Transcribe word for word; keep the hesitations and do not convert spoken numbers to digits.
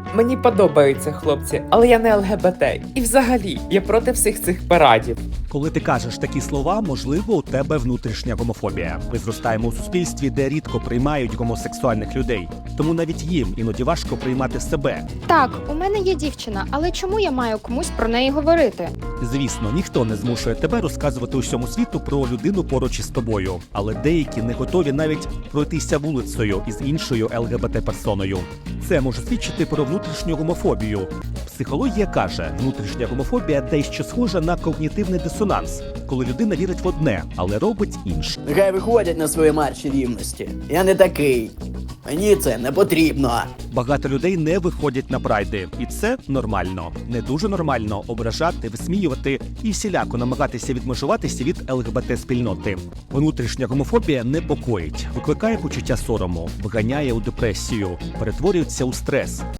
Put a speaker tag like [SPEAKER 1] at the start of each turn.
[SPEAKER 1] Мені подобаються хлопці, але я не ЛГБТ. І взагалі, я проти всіх цих парадів.
[SPEAKER 2] Коли ти кажеш такі слова, можливо, у тебе внутрішня гомофобія. Ми зростаємо у суспільстві, де рідко приймають гомосексуальних людей. Тому навіть їм іноді важко приймати себе.
[SPEAKER 3] Так, у мене є дівчина, але чому я маю комусь про неї говорити?
[SPEAKER 2] Звісно, ніхто не змушує тебе розказувати усьому світу про людину поруч із тобою. Але деякі не готові навіть пройтися вулицею із іншою ЛГБТ-персоною. Це може свідчити про внутрішню гомофобію. Психологія каже, внутрішня гомофобія дещо схожа на когнітивний дисонанс, коли людина вірить в одне, але робить інше.
[SPEAKER 4] Нехай виходять на свої марші рівності. Я не такий. Мені це не потрібно.
[SPEAKER 2] Багато людей не виходять на прайди, і це нормально. Не дуже нормально ображати, висміювати і всіляко намагатися відмежуватися від ЛГБТ-спільноти. Внутрішня гомофобія непокоїть, викликає почуття сорому, вганяє у депресію, перетворюється у стрес.